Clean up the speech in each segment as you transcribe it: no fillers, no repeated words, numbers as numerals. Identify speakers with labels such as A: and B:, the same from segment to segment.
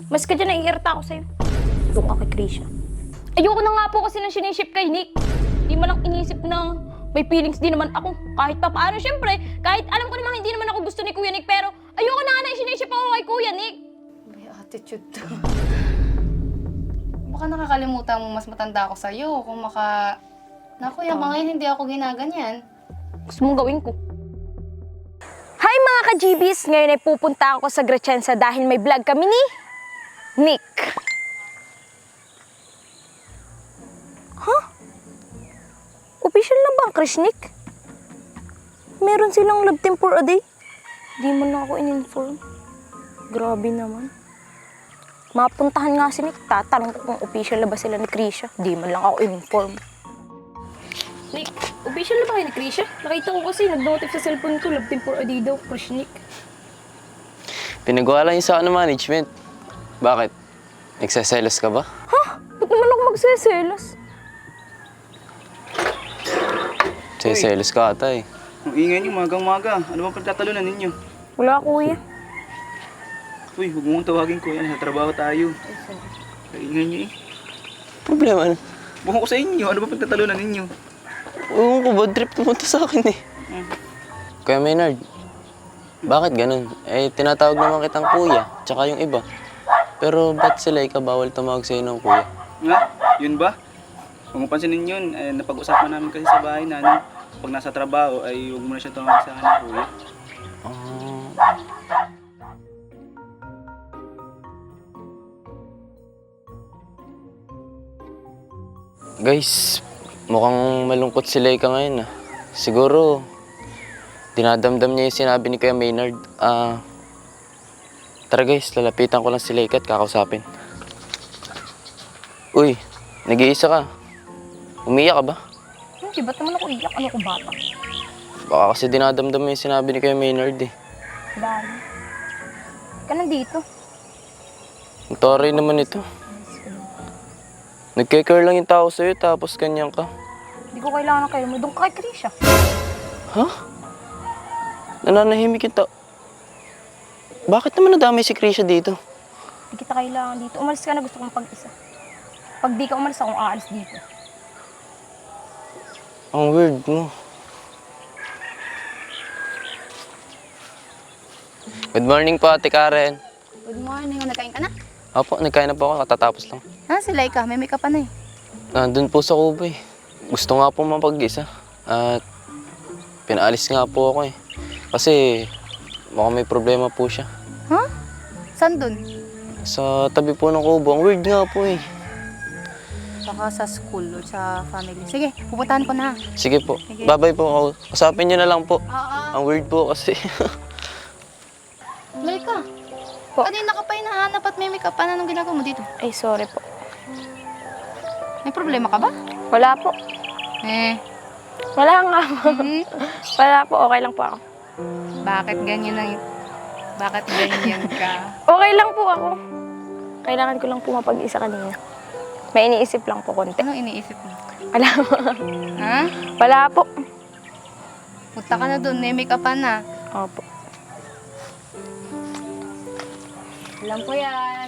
A: Mas ka dyan, naiirita ako sa'yo. Doon ka kay Krisha. Ayoko na nga po kasi nang siniship kay Nick. Di man lang inisip na may feelings din naman ako. Kahit pa paano, syempre, kahit alam ko naman hindi naman ako gusto ni Kuya Nick, pero ayoko na nga na siniship ako kay Kuya Nick.
B: May attitude to. Baka nakakalimutan mo mas matanda ako sa'yo. Kung Naku, yung mga yun, hindi ako ginaganyan.
A: Gusto mong gawin ko. Hi mga ka-GBs! Ngayon ay pupunta ako sa Grechensa dahil may vlog kami ni Nick. Huh? Official na ba ang Krish Nick? Meron silang love team for a day? Di man lang ako in-inform. Grabe naman. Mapuntahan nga si Nick, tatanong ko kung official na ba sila ni Krisha. Di man lang ako in-inform. Nick, official na ba kayo ni Krisha? Nakita ko kasi nag-notif sa cellphone ko, love team for a day daw, Krish Nick.
C: Pinagawa lang yun sa management. Bakit? Nagsaselos ka ba?
A: Ha? Ba't naman ako magseselos?
C: Nagsaselos ka ata eh.
D: Ang ingay niyo, magang-maga. Ano bang pagtatalunan ninyo?
A: Wala, kuya.
D: Uy, huwag mong tawagin ko. Yan, sa trabaho tayo. Ang ingay niyo eh.
C: Problema na.
D: Bukan ko sa inyo. Ano bang pagtatalunan ninyo?
C: Ewan ko, bad trip naman to sa akin eh. Kuya Maynard, bakit ganun? Eh, tinatawag naman kitang kuya, tsaka yung iba. Pero ba't sila bawal tumawag sa'yo ng kuya?
D: Nga, yun ba? Kung pansinin yun, napag-usapan namin kasi sa bahay na pag nasa trabaho ay huwag mo na siya tumawag sa akin ng kuya.
C: Guys, mukhang malungkot si Laika ngayon ah. Siguro, dinadamdam niya yung sinabi ni Kuya Maynard. Tara guys, lalapitan ko lang si Laika at kakausapin. Uy, nag-iisa ka. Umiyak ka ba?
A: Hindi, ba't naman ako iyak? Ano ko bata?
C: Baka kasi dinadamdam mo yung sinabi ni Kuya Maynard eh.
A: Dahil. Ka nandito.
C: Ang taray naman ito. Nagkikare lang yung tao sa'yo tapos ganyan ka.
A: Hindi ko kailangan ng kayo mo. Doon ka kay Krisha.
C: Ha? Nananahimik yung tao. Bakit naman nadamay si Krisha dito?
A: Hindi kita kailangan dito. Umalis ka na, gusto kong pag-isa. Pag di ka umalis, akong aalis dito.
C: Ang weird mo. Good morning po, Ate Karen.
B: Good morning. Nagkain ka na?
C: Opo, nagkain na po ako, katatapos lang.
B: Ha, si Laika. May makeup pa na eh.
C: Nandun po sa Kuba eh. Gusto nga po mapag-isa. At pinaalis nga po ako eh. Kasi mukhang may problema po siya.
B: Ha? Saan dun?
C: Sa tabi po ng Kubo. Ang weird nga po eh.
B: Baka sa school o sa family. Sige, pupuntahan ko na.
C: Sige po.
B: Sige.
C: Bye-bye po. Usapin niyo na lang po.
B: Oo.
C: Ang weird po kasi.
B: Laika.
A: Po.
B: Kanina ka pa hinahanap at may makeup pa na nung ginagawa mo dito.
A: Ay, sorry po.
B: May problema ka ba?
A: Wala po. Wala nga po. Wala po, okay lang po ako.
B: Bakit ganyan ka?
A: Okay lang po ako. Kailangan ko lang po mapag-isa kanina. May iniisip lang po konti.
B: Anong iniisip mo?
A: Wala po.
B: Ha?
A: Wala po.
B: Punta ka na doon, may makeup pa na.
A: Opo.
B: Alam ko yan.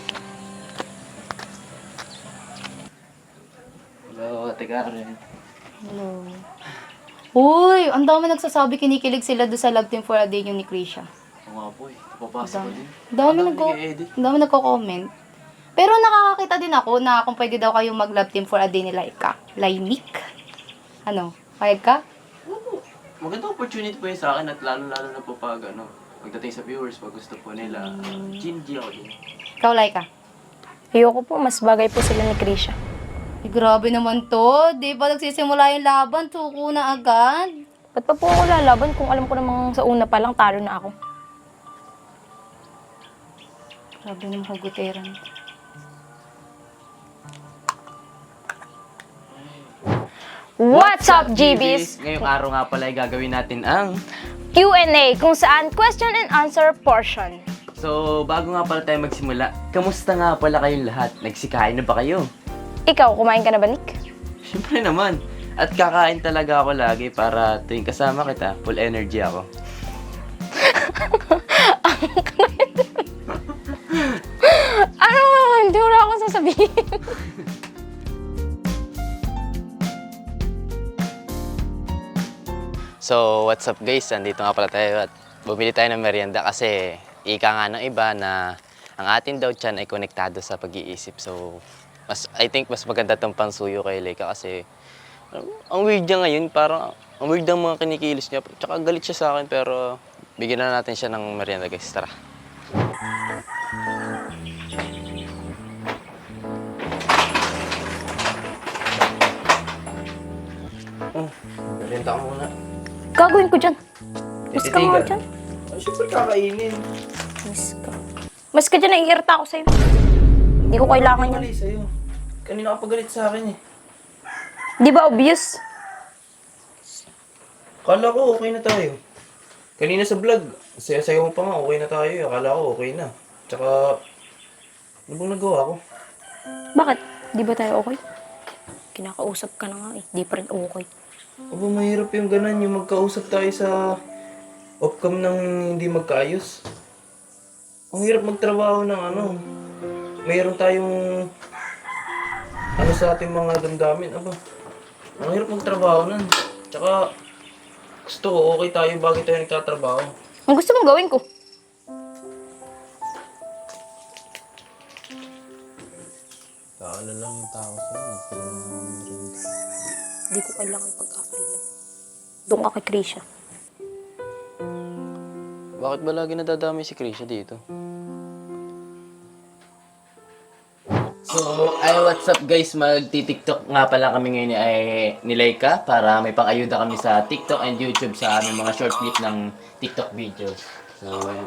C: Hello, Ate Karen.
B: Hello. Uy, ang dami nagsasabi kinikilig sila doon sa Love Team for a Day yung ni Krisha.
C: Oo nga po eh. Papasok ko din.
B: Ang dami nagko-comment. Pero nakakakita din ako na kung pwede daw kayong mag-Love Team for a Day ni Laika. Laimik. Ano? Payag ka?
C: Magandang opportunity po yun sa akin at lalo-lalo na po pag pagdating sa viewers, pag gusto po nila, G ako din.
B: Ikaw, Laika.
A: Ayoko po, mas bagay po sila ni Krisha.
B: Eh, grabe naman to. Di ba nagsisimula yung laban? Tuko na agad.
A: Ba't pa po ako lalaban kung alam ko namang sa una pa lang talo na ako?
B: Grabe ng huguteran.
A: What's up, GBs?
C: Ngayong araw nga pala ay gagawin natin ang...
A: Q&A, kung saan question and answer portion.
C: So, bago nga pala tayo magsimula, kamusta nga pala kayong lahat? Nagsikain na ba kayo?
A: Ikaw, kumain ka na ba, Nick?
C: Siyempre naman. At kakain talaga ako lagi para tuwing kasama kita, full energy ako.
A: mo sabihin.
C: So, what's up guys? Andito nga pala tayo at bumili tayo ng merienda kasi ika nga ng iba na ang atin daw tiyan ay konektado sa pag-iisip. So, I think mas maganda tong pangsuyo kay Leica kasi ang weird niya ngayon, parang ang weird ng mga kinikilos niya. Tsaka galit siya sa akin pero bigyan na natin siya ng merienda guys. Tara. Merienda ka muna.
A: Gagawin ko dyan. Mas ka nga dyan.
C: Ay, syempre kakainin.
A: Mas ka. Mas ka dyan, naiirita ako sa'yo. Hindi ko kailangan yan.
C: Mali sa'yo. Kanina ka pagalit sa akin eh.
A: Di ba obvious?
C: Akala ko okay na tayo. Kanina sa vlog, saya-sayo mo pa nga, okay na tayo. Akala ko okay na. Tsaka, ano bang nagawa ko?
A: Bakit? Di ba tayo okay? Kinakausap ka na nga eh. Di pa rin okay.
C: Aba, mahirap yung ganan, yung magkausap tayo sa off-cam ng hindi magkaayos. Ang hirap magtrabaho ng ano. Mayroon tayong ano sa ating mga damdamin. Aba, ang hirap magtrabaho nun. Tsaka, gusto ko okay tayo bago tayo nagtatrabaho.
A: Ang gusto mong gawin ko?
C: Kaala lang yung tao sa'yo.
A: Hindi ko kailangan pagkakailan. Doon ka kay Krisha.
C: Bakit ba lagi nadadami si Krisha dito? So, what's up guys? Magti-TikTok nga pala kami ngayon ni Leica para may pang-ayuda kami sa TikTok and YouTube sa aming mga short clip ng TikTok videos. So, ayun.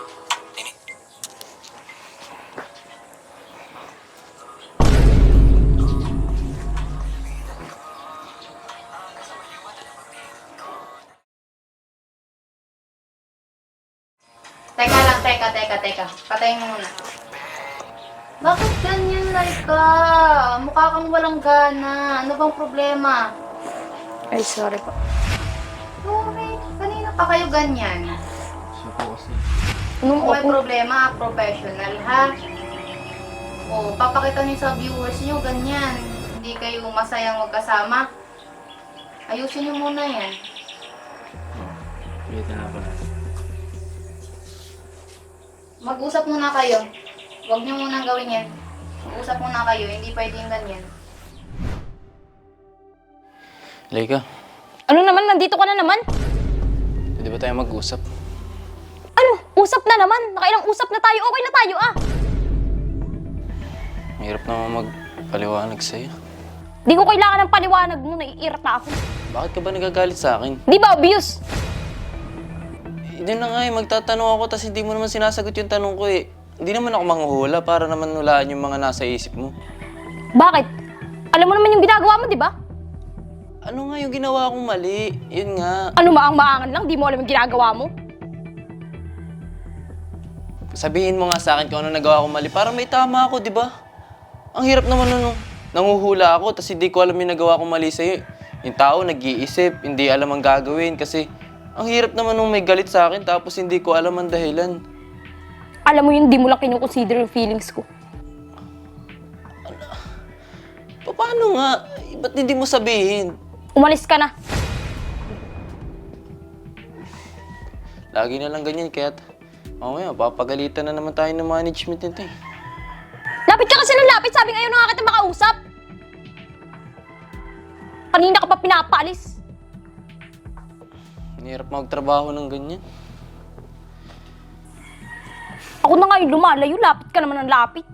B: Teka lang, teka. Patayin mo muna. Bakit ganyan, Laika? Mukha kang walang gana. Ano bang problema?
A: Ay, sorry po.
B: Sorry, kanina pa kayo ganyan.
A: Anong
B: Kung may
A: ako?
B: problema, professional ha. O, papakita niyo sa viewers niyo ganyan. Hindi kayo masayang magkasama. Ayusin niyo muna yan.
C: Ulitin na pala.
B: Mag-usap muna kayo. Huwag niyo munang gawin yan. Mag-usap muna kayo, hindi pwedeng ganyan.
C: Leica,
A: Ano naman? Nandito ka na naman?
C: pwede ba tayo mag-usap?
A: Ano? Usap na naman. Nakailang usap na tayo. Okay na tayo ah.
C: Mahirap naman magpaliwanag sa'yo.
A: Di ko kailangan ng paliwanag mo. Naiirita ako.
C: Bakit ka ba nagagalit sa akin?
A: Di ba obvious?
C: Hindi na nga eh, magtatanong ako tapos hindi mo naman sinasagot yung tanong ko eh. Hindi naman ako manghuhula para naman hulaan yung mga nasa isip mo.
A: Bakit? Alam mo naman yung ginagawa mo, di ba?
C: Ano nga yung ginawa kong mali? Yun nga.
A: Ano maang-maangan lang? Di mo alam yung ginagawa mo?
C: Sabihin mo nga sa akin kung ano nagawa kong mali para may tama ako, di ba? Ang hirap naman nun. Nanguhula ako tapos hindi ko alam yung nagawa kong mali sa'yo. Yung tao nag-iisip, hindi alam ang gagawin kasi ang hirap naman nung may galit sa akin tapos hindi ko alam ang dahilan.
A: Alam mo yun, di mo lang kinukonsider yung feelings ko.
C: Paano nga? Ba't hindi mo sabihin?
A: Umalis ka na.
C: Lagi na lang ganyan kaya't mamaya papagalitan na naman tayo ng management nito eh.
A: Lapit ka kasi ng lapit. Sabi ngayon na nga kita makausap. Kanina ka pa pinapaalis.
C: Ang hirap magtrabaho ng ganyan.
A: Ako na nga yung lumalayo. Lapit ka naman ng lapit.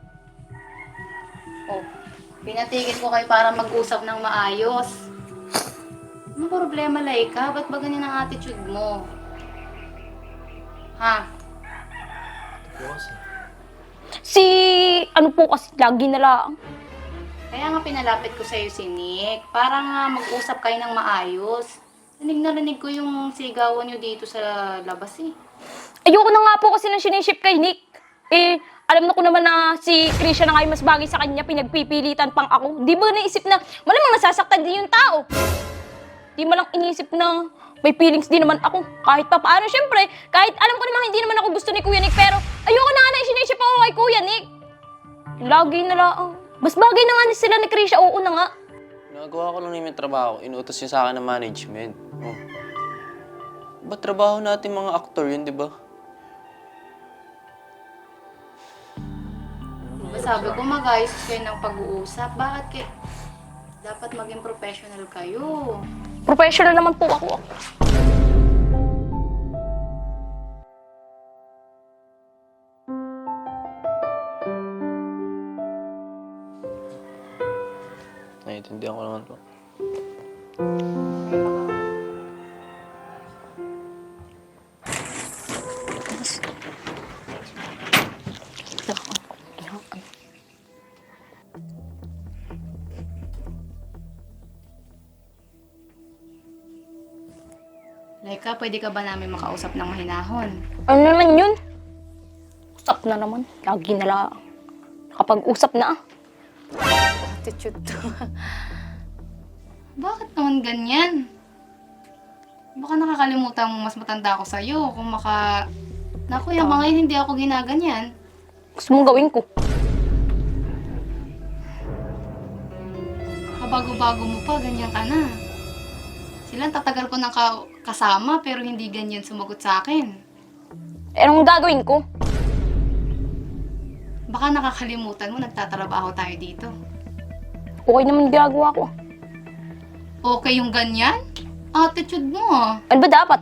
B: Oh, pinatigil ko kayo para mag-usap ng maayos. Anong problema, Laika? Ba't ba ganyan ang attitude mo? Ha?
A: Si... ano po kasi, lagi na lang.
B: Kaya nga pinalapit ko sa'yo si Nick para nga mag-usap kayo ng maayos. Narinig ko yung sigawan nyo dito sa labas eh.
A: Ayoko na nga po kasi ng siniship kay Nick. Eh, alam na ko naman na si Krisha na nga yung mas bagay sa kanya, pinagpipilitan pang ako. Di ba naisip na, malamang nasasaktan din yung tao. Di mo lang inisip na may feelings din naman ako. Kahit pa paano, syempre, kahit alam ko naman hindi naman ako gusto ni Kuya Nick, pero ayoko na nga na siniship ako kay Kuya Nick. Lagi na lang. Mas bagay na nga ni sila ni Krisha. Oo na nga.
C: Nagawa ko lang naman yung trabaho. Inuutos yun sa akin ng management. Oh. Ba't trabaho natin mga aktor yun, di ba?
B: Diba sabi ko, mag-ayos kayo ng pag-uusap. Bakit kayo? Dapat maging professional kayo.
A: Professional naman po ako.
C: Naiintindihan ko naman po.
B: Laika, pwede ka ba namin makausap ng mahinahon?
A: Ano naman yun? Usap na naman. Lagi na lang. Kapag usap na
B: Attitude to. Bakit naman ganyan? Baka nakakalimutan mo mas matanda ako sa'yo. Kung Naku, yung mga yun, hindi ako ginaganyan.
A: Gusto mong gawin ko.
B: Kabago-bago mo pa, ganyan ka na. Sila, tatagal ko ng kasama, pero hindi ganyan sumagot sa akin.
A: Eh, anong gagawin ko?
B: Baka nakakalimutan mo, nagtatrabaho tayo dito.
A: Okay naman ginagawa ko.
B: Okay yung ganyan? Attitude mo ah.
A: Ano ba dapat?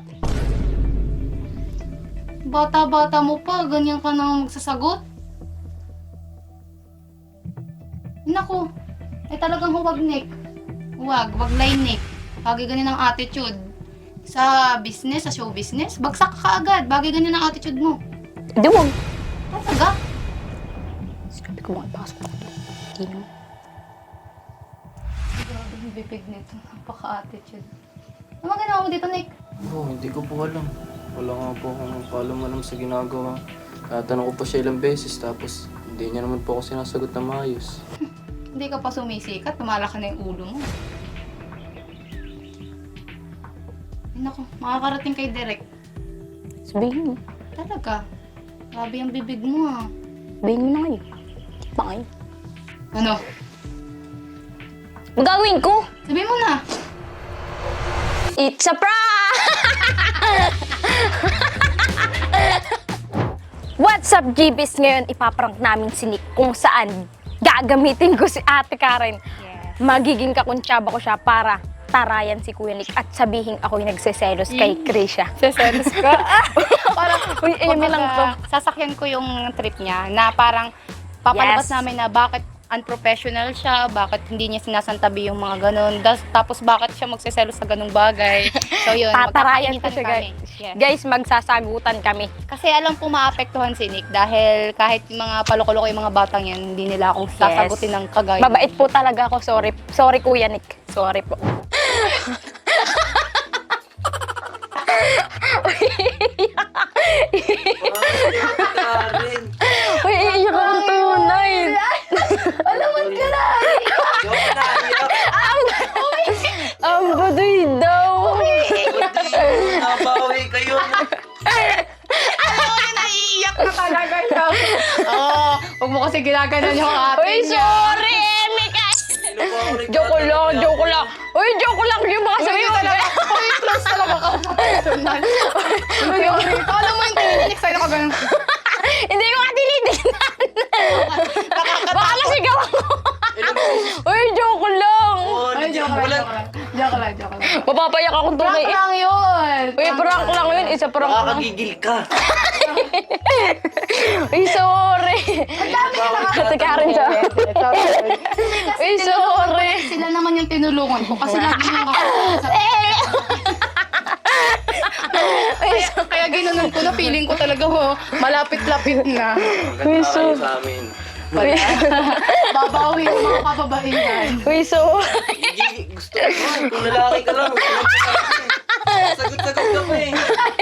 B: Bata-bata mo pa, ganyan ka nang magsasagot? Naku, talagang huwag, Nick. Wag line, Nick. Bagay ganyan ang attitude. Sa business, sa show business, bagsak ka agad. Bagay ganyan ang attitude mo.
A: Hindi wag.
B: Talaga?
A: Sabi ko mga ipasok ako doon. Hindi naman.
B: Grabe yung bibig nito. Napaka-attitude. Ano mga ginawa mo dito, Nick?
C: Hindi ko po alam. Wala nga po akong paalam-alam sa ginagawa. Tatanong ko po siya ilang beses, tapos hindi niya naman po ako sinasagot na maayos.
B: Hindi ka pa sumisikat, tumalaki na yung ulo mo. Ay naku, makakarating kay Derek.
A: Sabihin mo.
B: Talaga. Grabe yung bibig mo ah.
A: Sabihin mo na ngayon. Pa ngayon.
B: Ano?
A: Ang gagawin ko?
B: Sabihin mo na.
A: It's a prank! What's up, GBs? Ngayon, ipaprank namin si Nick kung saan gagamitin ko si Ate Karen.
B: Yes.
A: Magiging kakuntsaba ko siya para tarayan si Kuya Nick at sabihin ako'y nagseselos kay Krisha.
B: Seselos ka? Parang,
A: Uy, ayun lang to.
B: Sasakyan ko yung trip niya na parang papalabas
A: Yes.
B: namin na bakit unprofessional siya, bakit hindi niya sinasantabi yung mga ganun, tapos bakit siya magseselos sa ganung bagay. So yun,
A: Tatarayan ko
B: magkakainitan
A: siya,
B: kami.
A: guys.
B: Yes.
A: Guys, magsasagutan kami.
B: Kasi alam po maapektuhan si Nick dahil kahit mga paloko-loko yung mga batang yan, hindi nila ako sasagutin ng kagaya.
A: Mabait po talaga ako. Sorry. Sorry, Kuya Nick. Sorry po. Uy, iiyak akong tunay.
B: Alamon ka na!
A: Ang baduy daw.
C: Nabawi kayo.
B: Alam mo na naiiyak na talaga siya. Oo, huwag mo kasi ginaganon yung ate
A: Uy,
B: niya.
A: sorry, Mika. Joke lang, joke lang. Uy, joke lang. Yung mga sabi mo.
B: Uy, close talaga ka sa personal. Alam mo yung tininik sa'yo ka ganun.
A: Hindi ko nga tinitignan. Baka nasigaw ako. Uy, joke lang.
B: Ay, joke lang. Joke lang.
A: Mapapayak akong tunay.
B: Prank lang yun.
A: Uy, prank lang yun. Isa prank lang.
C: Nakakagigil ka.
A: Uy, sorry. Ate Karen siya. Uy, sorry.
B: Sila naman yung tinulungan ko kasi lagi nang ako. Kaya ginanon ko na feeling ko talaga malapit-lapit na.
A: Uy,
C: Kayo sa amin.
B: Babawi yung mga kababaihan.
A: Uy, sorry.
C: Gusto ko. Kung lalaki ka lang. Sagot-sagot ka pa eh.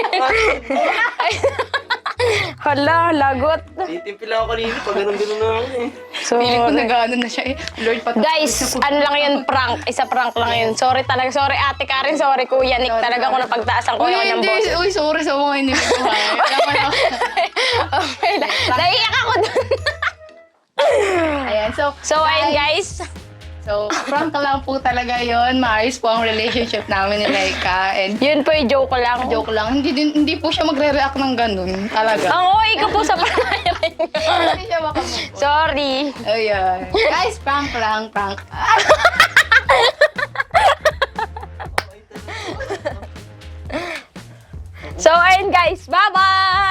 A: Hala, lagot.
C: Titimpil ako kanina pag ganun-ganun na ako eh.
B: Feeling ko
A: Sorry.
B: nag-ano na siya eh. Lord,
A: Guys, ano lang yun, prank. Isa prank lang yun. Sorry talaga. Sorry, Ate Karen. Sorry, Kuya Nick. Talaga ko napagtaasan ko naman ng boss.
B: Uy, sorry sa mga inimig ko ha.
A: Okay lang. Naiiyak ako dun. So, ayun guys.
B: So, prank lang po talaga yon. Maayos po ang relationship namin ni Laika. And
A: Yun po yung joke ko lang.
B: joke lang, hindi po siya magre-react ng ganun. Talaga.
A: Ang OA ko po sa panayaran.
B: Hindi siya makamove.
A: Sorry.
B: Ayan. Guys, prank lang, prank.
A: So, ayun guys. Bye-bye!